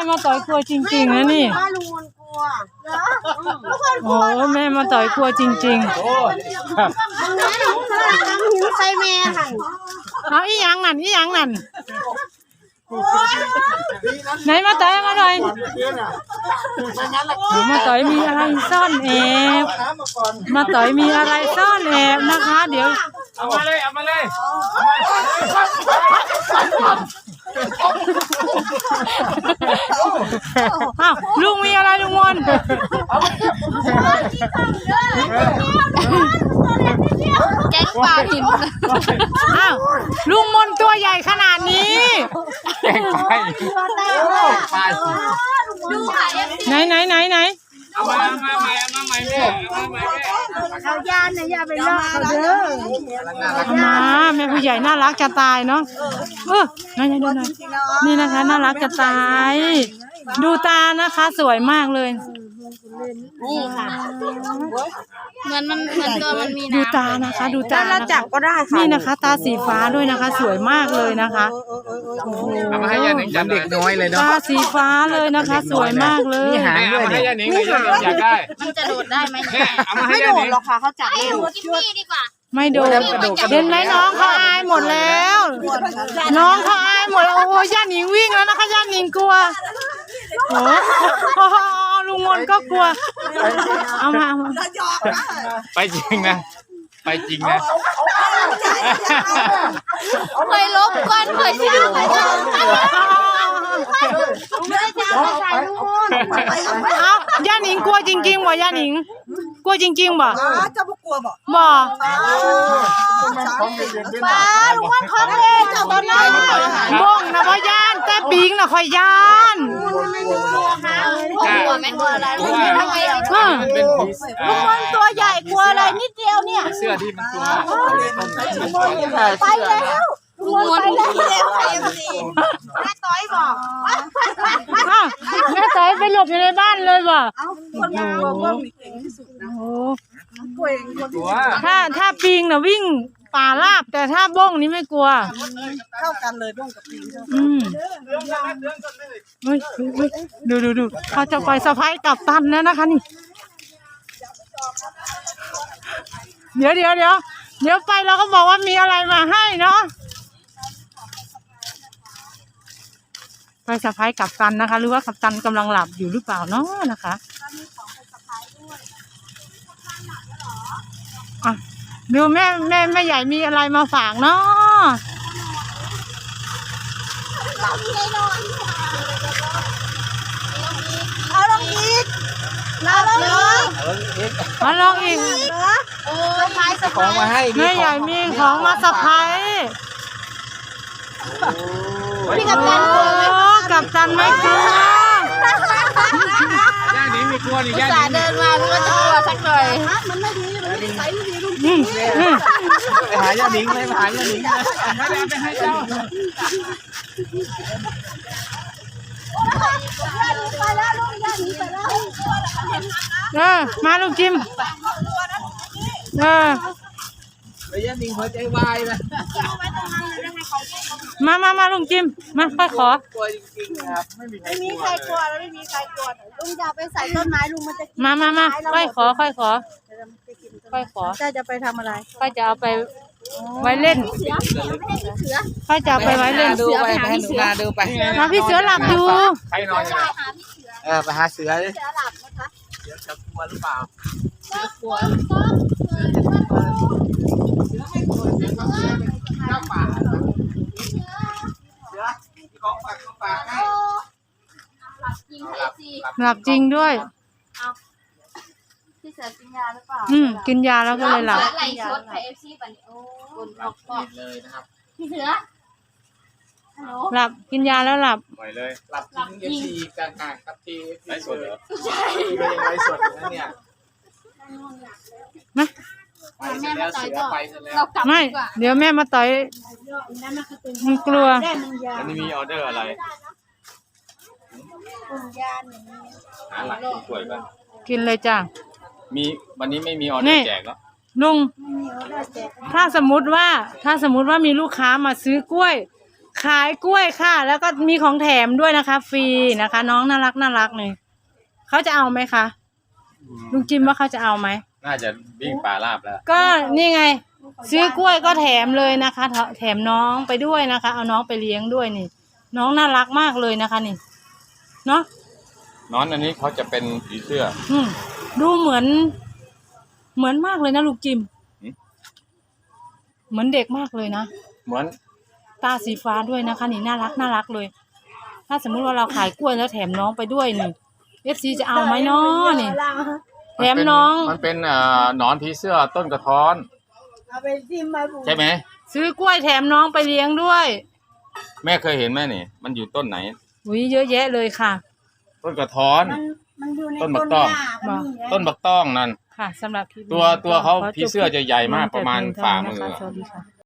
มาต่อยกลัวจริงๆนะนี่ว่าลุงมนกลัวเหรอทุกคนโอ้แม่มาต่อยกลัวจริงๆโอ้ครับหิวใส่แม่ค่ะเอาอีหยังนั่นไหนมาต่อยมาหน่อยมาต่อยมีอะไรซ่อนแอบมาต่อยมีอะไรซ่อนแอบนะคะเดี๋ยวเอามาเลยอ้าวลุงมีอะไรลุงมนแกงปลาหินอ้าวลุงมนตัวใหญ่ขนาดนี้แกงไปไปดูค่ะไหนเอามาใหม่แม่เขาย่านนะอย่าไปลอกเขาเด้อมาแม่ผู้ใหญ่น่ารักจะตายเนาะนั่นนี่นะคะน่ารักจะตายดูตานะคะสวยมากเลยนี่ค่ะเหมือนตัวมันมีดูน้ำตานะคะดูตาเราจับก็ได้ค่ะนี่นะคะตาสีฟ้าด้วยนะคะสวยมากเลยนะคะโอ้โหเอามาให้ยาหนิงจับเด็กน้อยเลยเนาะตาสีฟ้าเลยนะคะสวยมากเลยหางด้วยให้ยาหนิงเลยอยากได้มันจะโดดได้ไหมเอามาให้ไม่ยาโดหนิดงหรอกค่ะเขาจับเองดีกว่าไม่โดนเห็นไหมน้องเขาอายหมดแล้ว น้องเขาอายหมดแล้วโอ้โหย่าหนิงวิ่งแล้วนะคะย่าหนิงกลัวโอ้โหลุงมนก็กลัวเอามาไปจริงนะเคยลบก่อนเคยชื่อไม่ได้ใส่ลูกเอาย่าหนิงกลัวจริงๆบ่ย่าหนิงกลัวจริงๆบ่จะบุกกลัวบ่บ่ป้าลุงวันของเล่นจับตอนนั้นบ้องนะบ่ย่านแต่ปิงน่ะค่อยย่านกลัวไหมกลัวอะไรลุงทำไมมันเป็นผีลุงวันตัวใหญ่กลัวอะไรนิดเดียวเนี่ยเสื้อที่มันตัวไปแล้วลุงวันไปแล้วแม่ต้อยบอกอ้าวแม่ต่อยไปหลบอยู่ในบ้านเลยบ่คนกลัวบ้องนี่เก่งที่สุดนะโอ้กลัวเองคนตัวถ้าปิงน่ะวิ่งป่าราบแต่ถ้าบ้องนี่ไม่กลัวเข้ากันเลยบ้องกับปีนอืมเฮ้ยดูเขาจะไปสะพายกับตันแล้วนะคะนี่เดี๋ยวไปเราก็บอกว่ามีอะไรมาให้เนาะไปสะพายกับตันนะคะหรือว่ากับตันกำลังหลับอยู่หรือเปล่าเนาะนะคะอ่ะดูแม่ใหญ่มีอะไรมาฝากเนาะเอาลงอีกเอาลงอีกมาลองอีกโอ้ยไม้สะของมาให้แม่ใหญ่มีของมาสะพายพี่กับตันกลัวไหมโอ้กับตันไม่กลัวย่าหนิงมีกลัวนี่ย่าหสานิงเดินมาพี่ก็จะกลัวสักหน่อยอืมไปหาย่าหนิงเลยไปหาย่าหนิงเลยไปให้เจ้าไปแล้วลูกย่าหนีไปแล้วมาลูกจิมไปย่าหนิงหัวใจวายนะมาลุงจิมมาค่อยขอกลัวจริงๆครับไม่มีใครไม่มีใครกลัวแล้วไม่มีใครกลัวลุงจะไปใส่ต้นไม้ลุงมันจะกินมาค่อยขอค่อยขอเจ้าจะไปทำอะไรค่อยจะเอาไปไว้เล่นเสือไม่ได้เสือค่อยจะเอาไปไว้เล่นดูไปให้หนูนาดูไปมาพี่เสือหลับอยู่ใครนอนหาพี่เสือไปหาเสือเลยเสือหลับนะคะเสือจะกลัวหรือเปล่ากลัวเจ้าป่าเสือของฝากให้หลับจริงเอซีหลับจริงด้วยพี่เสือกินยาหรือเปล่ากินยาแล้วก็เลยหลับไหลชดไอเอฟซีป่ะเนี่ยโอ้คนออกบอกเลยนะครับพี่เสือฮัลโหลหลับกินยาแล้วหลับปล่อยเลยหลับจริง FC กลางๆครับทีไลฟ์สดเหรอเป็นไลฟ์สดนะเนี่ยนะไปเสร็จแล้วเสือไปเสร็จแล้วเรากลับไม่ดีกว่าเดี๋ยวแม่มาต่อยมันกลัวอันนี้มีออเดอร์อะไรยาหนึ่งหาหลักกล้วยป่ะกินเลยจ้ะมีวันนี้ไม่มีออเดอร์แจกแล้วลุงถ้าสมมุติว่ามีลูกค้ามาซื้อกล้วยขายกล้วยค่ะ แล้วก็มีของแถมด้วยนะคะ ฟรีนะคะ น้องน่ารักเลยเขาจะเอาไหมคะลุงจิมว่าเขาจะเอาไหมน่าจะวิ่งป่าราบแล้วก็นี่ไง ซื้อกล้วยก็แถมเลยนะคะ แถมน้องไปด้วยนะคะ เอาน้องไปเลี้ยงด้วยนี่ น้องน่ารักมากเลยนะคะนี่เนาะนอนอันนี้เขาจะเป็นผีเสื้อดูเหมือนมากเลยนะลุงจิมหืมเหมือนเด็กมากเลยนะเหมือนตาสีฟ้าด้วยนะคะนี่น่ารักเลย ถ้าสมมุติว่าเราขายกล้วยแล้วแถมน้องไปด้วยนี่ FC จะเอาไหมเนาะนี่แถมน้องมันเป็นหนอนผีเสื้อต้นกระท้อนเอาไปจิ้มมาปลูกใช่ไหมซื้อกล้วยแถมน้องไปเลี้ยงด้วยแม่เคยเห็นไหมนี่ มันอยู่ต้นไหนอุ้ยเยอะแยะเลยค่ะต้นกระท้อนมันอยู่ในต้นบักต้องหญ้ามันมีไงต้นบักต้องนั่นค่ะสำหรับคลิปนี้ตัวเขาขอจบผีเสื้อจะใหญ่มากประมาณฝ่ามือแต่เพียงเท่นี้นะคะสวัสดีค่ะ